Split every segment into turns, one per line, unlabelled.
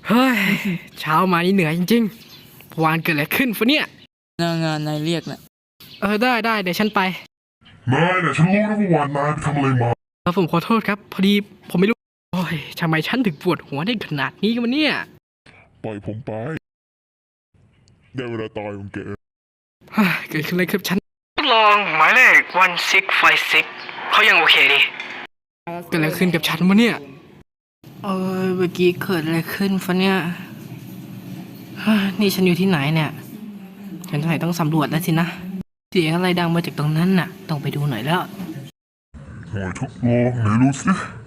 เฮ้ยเช้ามานี่เหนื่อยจริงๆวานเกิดอะไรขึ้นฟะเนี่ย
หน้างานนายเรียกนะ
ได้เดี๋ยวฉันไป
นายเนี่ยฉันรู้นะว่าวานนายไปทำอะไรมา
ผมขอโทษครับพอดีผมไม่รู้โอ้ยทำไมฉันถึงปวดหัวได้ขนาดนี้กันวะเนี่ย
ปล่อยผมไปได้เวลาตายของแก
เกิดขึ้นอะไรครับฉันลองหมายเลข1656เขายังโอเคดีเกิดอะไรขึ้นกับฉันวะเนี่ยเมื่อกี้เกิดอะไรขึ้นฟะเนี่ยนี่ฉันอยู่ที่ไหนเนี่ยฉันต้องสำรวจแล้วสินะเสียงอะไรดังมาจากตรงนั้นน่ะต้องไปดูหน่อยแล้ว
หอยทดลองไหนดูสิ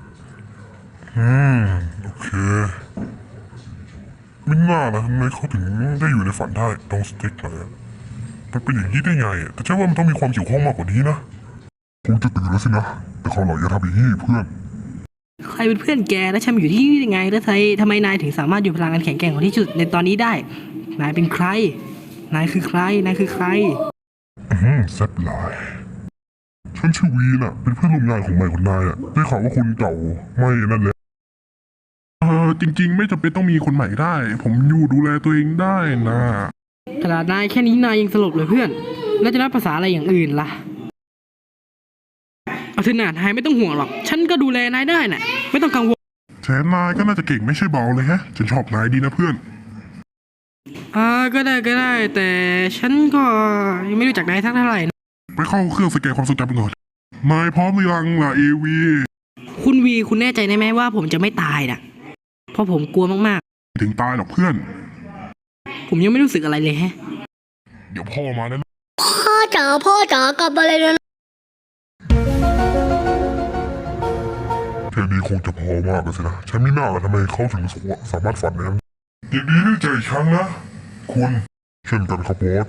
โอเคไม่น่านะทำไมเขาถึงได้อยู่ในฝันได้ตรงสติ๊กเลยมันเป็นอย่างนี้ได้ไงแต่ใช่ว่ามันต้องมีความเกี่ยวข้องมากกว่านี้นะคงจะตื่นแล้วสินะแต่เขาหล่ออย่าทำอย่างนี้เพื่อน
ใครเป็นเพื่อนแกและฉันอยู่ที่นี่ยังไงแล้วทำไมนายถึงสามารถอยู่พลังงานแข็งแกร่งของที่สุดในตอนนี้ได้นายเป็นใครนายคือใคร
แซ่บหลายฉันชื่อวีน่ะเป็นเพื่อนร่วมงานของใหม่คนนายได้ข่าวว่าคนเก่าไม่นั่นแหละจริงๆไม่จำเป็นต้องมีคนใหม่ได้ผมอยู่ดูแลตัวเองได้นะ
ขนาดนายแค่นี้นายยังสลบเลยเพื่อนแล้วจะนับภาษาอะไรอย่างอื่นล่ะเอาเถอะนายไม่ต้องห่วงหรอกฉันก็ดูแลนายได้น่ะไม่ต้องกังวล
แชนนายก็น่าจะเก่งไม่ใช่เบาเลยฮะฉันชอบนายดีนะเพื่อน
ก็ได้แต่ฉันก็ยังไม่รู้จักนายสักเท่าไหร่
ไปเข้าเครื่องสแกนความทรงจำก่อนนายพร้อมหรือยังล่ะเอวี
คุณวีคุณแน่ใจได้ไหมว่าผมจะไม่ตายน่ะเพราะผมกลัวมาก
ๆถึงตายหรอกเพื่อน
ผมยังไม่รู้สึกอะไรเลยฮะ
เดี๋ยวพ่อมาแล้ว
พ่อจ๋ากลับมาเลยนะ
แค่นี้คงจะพอมากเลยสินะฉันไม่น่าละทำไมเขาถึงสามารถฝันได้ยินดีด้วยใจฉันนะคุณเช่นกันครับบอส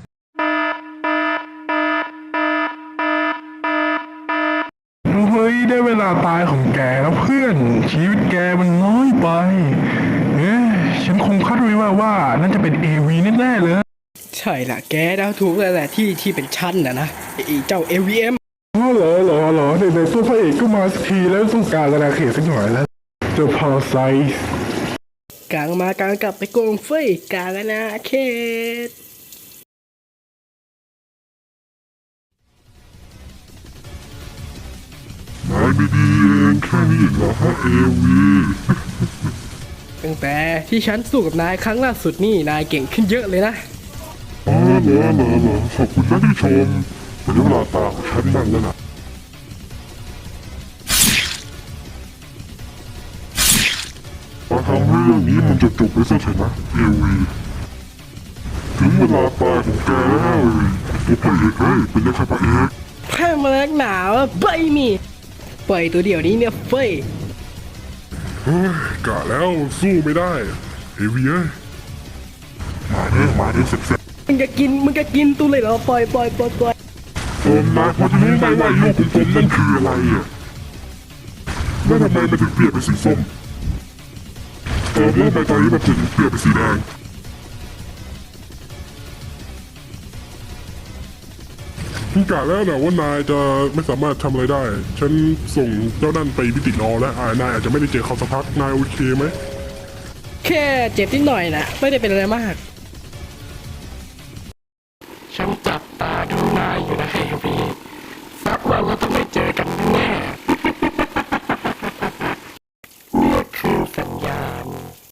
เฮ้ยได้เวลาตายของแกแล้วเพื่อนชีวิตแกมันน้อยไปฉันคงคาดไว้ว่านั่นจะเป็นเอวีแน่ๆเลย
ใช่ละแกเดาถูกแล้วแหละที่เป็นชั้นนะไอ้เจ้า AVM
เหรอในตัวพระเอกก็มาสักทีแล้วต้องการระดับเขตสักหน่อยแล้วเจ้าพอไซส์
กลางกลับไปโกงเฟยกลางนะเขต
นายไม่ดีเองแค่นี้เหรอฮะเอวี
ตั้งแต่ที่ฉันสู้กับนายครั้งล่าสุดนี่นายเก่งขึ้นเยอะเลยนะ
เหรอขอบคุณนะที่ชมเป็นเวลาตาของฉันบ้างแล้วนะมาทำเรื่องนี้มันจะจบไปซะเถอะนะเอวีถึงเวลาตายของแกแล้วตัวพระเอกเป็นยังไงพระเอก
แพ้มาแล้วหนาวใบมีปล่อยตัวเดียวนี้เนี่ยเฟย
กะแล้วสู้ไม่ได้เอวีมาเสร็จ
มึงจะกินตัวเลยเหรอปล่อย
นายพอจะรู้ไหมว่าลูกของผมนั่นคืออะไรแล้วทำไมมันถึงเปลี่ยนเป็นสีส้มแล้วใบตอนนี้มันถึงเปลี่ยนเป็นสีแดงกะแล้วนะว่านายจะไม่สามารถทำอะไรได้ฉันส่งเจ้านั่นไปพิติรอแล้วนายอาจจะไม่ได้เจอเขาสักพักนายโอเคไหม
แค่เจ็บนิดหน่อยนะไม่ได้เป็นอะไรมากฉันจับตาดูนายอยู่นะเฮ้ย